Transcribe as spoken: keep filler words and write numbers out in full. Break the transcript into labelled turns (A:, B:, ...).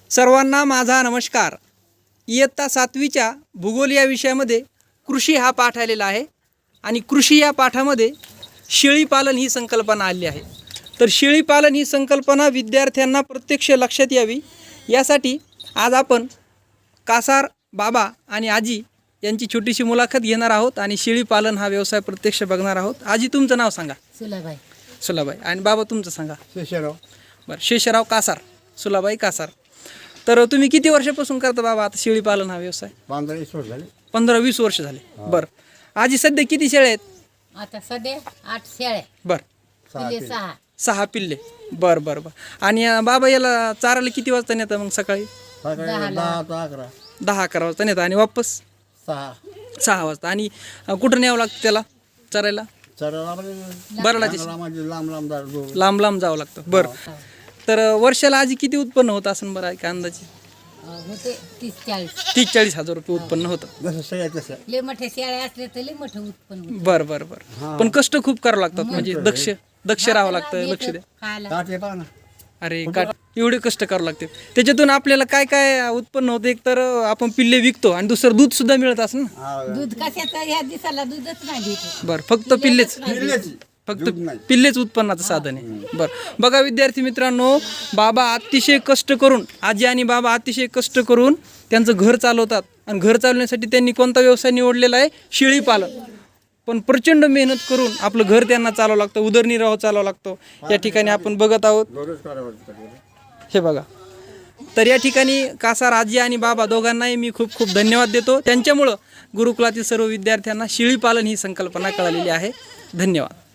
A: सर्वांना माझा नमस्कार। इयत्ता सातवीच्या भूगोल या विषयामध्ये कृषी हा पाठ आलेला आहे आणि कृषी या पाठामध्ये शेळीपालन ही संकल्पना आली आहे। तर शेळीपालन ही संकल्पना विद्यार्थ्यांना प्रत्यक्ष लक्षात यावी यासाठी आज आपण कासार बाबा आणि आजी यांची छोटीशी मुलाखत घेणार आहोत आणि शेळीपालन हा व्यवसाय प्रत्यक्ष बघणार आहोत। आजी तुमचं नाव सांगा।
B: सुलाबाई
A: सुलाबाई। आणि बाबा तुमचं सांगा।
C: शेषराव
A: बरं, शेषराव कासार, सुलाबाई कासार। तर तुम्ही किती वर्षापासून करता बाबा आता शेळीपालन हा व्यवसाय?
C: पंधरा वीस वर्ष झाले।
A: पंधरा वीस वर्ष झाले। बरं, आजी सध्या किती शेळ्या आहेत?
B: आता सध्या आठ शेळ्या,
A: बरं,
B: पिल्ले सहा.
A: सहा पिल्ले। बरं बरं बरं। आणि अं, बाबा याला चारायला किती वाजता नेता मग? सकाळी
C: सकाळी
B: दहाला.
C: दहा ते अकरा
A: दहा अकरा वाजता नेता आणि वापस
C: सहा
A: सहा वाजता। आणि अं, कुठं न्यावं लागतं त्याला चरायला?
C: चराला म्हणजे
A: बरडाची
C: लांब लांब लांब जायला दूर.
A: लांब लांब जावं लागतं। बरं, तर अं, वर्षाला आजी किती उत्पन्न होतं असं बरं काय अंदाजे?
B: अं, होते तीस चाळीस.
A: तीस चाळीस हजार रुपये उत्पन्न होतं।
C: जसं सगळ्या तसं
B: लय मोठ्या शेळ्या असल्या तर लय मोठं उत्पन्न होतं.
A: बरं बरं बरं। पण कष्ट खूप करावं लागतात, म्हणजे दक्ष दक्ष राहावं लागतं, लक्ष द्या।
B: खायला
C: काटे पहा ना.
A: अरे काट एवढे कष्ट करावं लागते। त्याच्यातून आपल्याला काय काय उत्पन्न होतं? एक तर आपण पिल्ले विकतो आणि दुसरं दूध सुद्धा मिळत असं ना?
C: हा,
B: दूध कशाचं ह्या दिवसाला दूधच नाही देत.
A: बरं, फक्त पिल्लेच
C: पिल्लेची.
A: फक्त
C: दूध नाही.
A: पिल्लेच उत्पन्नाचं साधन आहे। बरं, बघा विद्यार्थी मित्रांनो, बाबा अतिशय कष्ट करून, आजी आणि बाबा अतिशय कष्ट करून त्यांचं घर चालवतात आणि घर चालवण्यासाठी त्यांनी कोणता व्यवसाय निवडलेला आहे? शेळीपालन। पण प्रचंड मेहनत करून आपलं घर त्यांना चालवावं लागतं, उदरनिर्वाह चालवावा लागतो। या ठिकाणी आपण बघत आहोत,
C: दररोज करावं लागतं.
A: हे बघा। तर या ठिकाणी कासार आजी आणि बाबा दोघांनाही मी खूप खूप धन्यवाद देतो। त्यांच्यामुळं गुरुकुलातील सर्व विद्यार्थ्यांना शेळीपालन ही संकल्पना कळालेली आहे। धन्यवाद।